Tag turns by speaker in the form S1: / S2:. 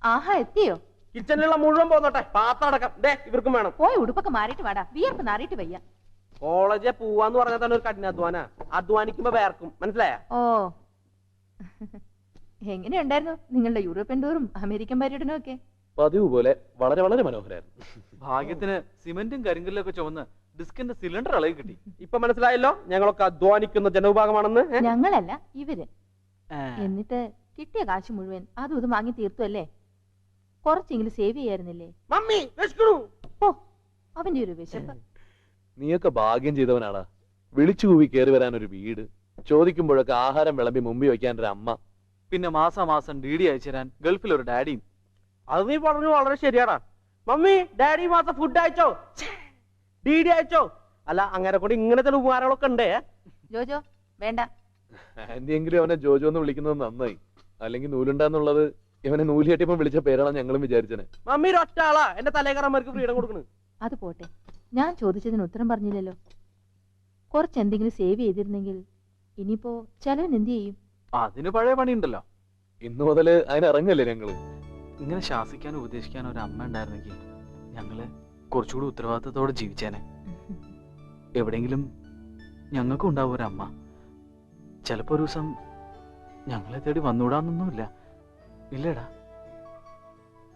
S1: ആഹാ എത്തിയോ?
S2: കിച്ചണിലുള്ള മുഴുവൻ പോന്നോട്ടെ, പാത്തടക്കം ഇവർക്കും വേണം.
S1: പോയി ഉടുപ്പൊക്കെ മാറിയിട്ട് വാടാ, വിയർപ്പ് നാറിയിട്ട് വയ്യ.
S2: കോളേജെ പോവാന്ന് പറഞ്ഞാൽ തന്നെ ഒരു കഠിനാധ്വാന, അധ്വാനിക്കുമ്പോ വേർക്കും, മനസ്സിലായ?
S1: ഓ എങ്ങനെയുണ്ടായിരുന്നു നിങ്ങളുടെ യൂറോപ്യൻ ടൂറും അമേരിക്കൻ പര്യടനവും ഒക്കെ?
S3: പതിവ് പോലെ വളരെ വളരെ മനോഹരായിരുന്നു.
S4: ഭാഗ്യത്തിന് സിമെന്റും കരിങ്കല്ലും ഒക്കെ ചുമന്ന് ഡിസ്കിന്റെ സിലിണ്ടർ ഇളകി കിട്ടി.
S2: ഇപ്പൊ മനസ്സിലായല്ലോ ഞങ്ങളൊക്കെ അധ്വാനിക്കുന്ന ജനവിഭാഗമാണെന്ന്.
S1: ഞങ്ങളല്ല ഇവര്. എന്നിട്ട് കിട്ടിയ കാശ് മുഴുവൻ അതും ഇതും വാങ്ങി തീർത്തു അല്ലേ? കുറച്ചെങ്കിലും സേവ് ചെയ്യായിരുന്നില്ലേ?
S2: മമ്മി
S1: ഓ അവന്റെ ഒരു വിശപ്പ്.
S3: നീയൊക്കെ ഭാഗ്യം ചെയ്തവനാടാ. വിളിച്ചു കൂവി കയറി വരാൻ ഒരു വീട്, ചോദിക്കുമ്പോഴൊക്കെ ആഹാരം വിളമ്പി മുമ്പിൽ വെക്കാൻ ഒരു അമ്മ,
S4: പിന്നെ മാസാമാസം DD അയച്ചു തരാൻ ഗൾഫിൽ ഒരു ഡാഡിയും.
S2: അത് നീ പറഞ്ഞു വളരെ ശരിയാടാ. മമ്മി ഡാഡി മാസം ഫുഡ് അയച്ചോ, DD അയച്ചോ? അല്ല അങ്ങനെ കൊണ്ട് ഇങ്ങനത്തെ ഉപകാരങ്ങളൊക്കെ ഉണ്ടേ.
S1: ജോജോ വേണ്ട.
S3: ആന്റി എങ്കിലും അവനെ ജോജോ എന്ന് വിളിക്കുന്നത് നന്നായി. അല്ലെങ്കിൽ നൂലുണ്ടാന്നുള്ളത് ഇവനെ നൂല് കെട്ടിയപ്പോ വിളിച്ച പേരാണ് ഞങ്ങളും വിചാരിച്ചത്.
S2: മമ്മി ഒറ്റ ആളാ എന്റെ തലേക്കറമാർക്ക് ഫ്രീഡം കൊടുക്കണ്.
S1: അത് പോട്ടെ, ഞാൻ ചോദിച്ചതിന് ഉത്തരം പറഞ്ഞില്ലല്ലോ. കുറച്ച് എന്തെങ്കിലും സേവ് ചെയ്തിരുന്നെങ്കിൽ ഇനിയിപ്പോ ചെലവിന് എന്ത് ചെയ്യും?
S4: അതിന് പഴയ പണിയുണ്ടല്ലോ.
S3: ഇന്നു മുതല് അതിനിറങ്ങല്ലേ ഞങ്ങള്.
S4: ഇങ്ങനെ ശാസിക്കാനും ഉപദേശിക്കാനും ഒരു അമ്മ ഉണ്ടായിരുന്നെങ്കിൽ ഞങ്ങള് കുറച്ചുകൂടി ഉത്തരവാദിത്തത്തോടെ ജീവിച്ചേനെ. എവിടെയെങ്കിലും ഞങ്ങൾക്കും ഉണ്ടാവും ഒരു അമ്മ. ചിലപ്പോ ഒരു ദിവസം ഞങ്ങളെ തേടി വന്നുകൂടാന്നൊന്നുമില്ല, ഇല്ലേടാ?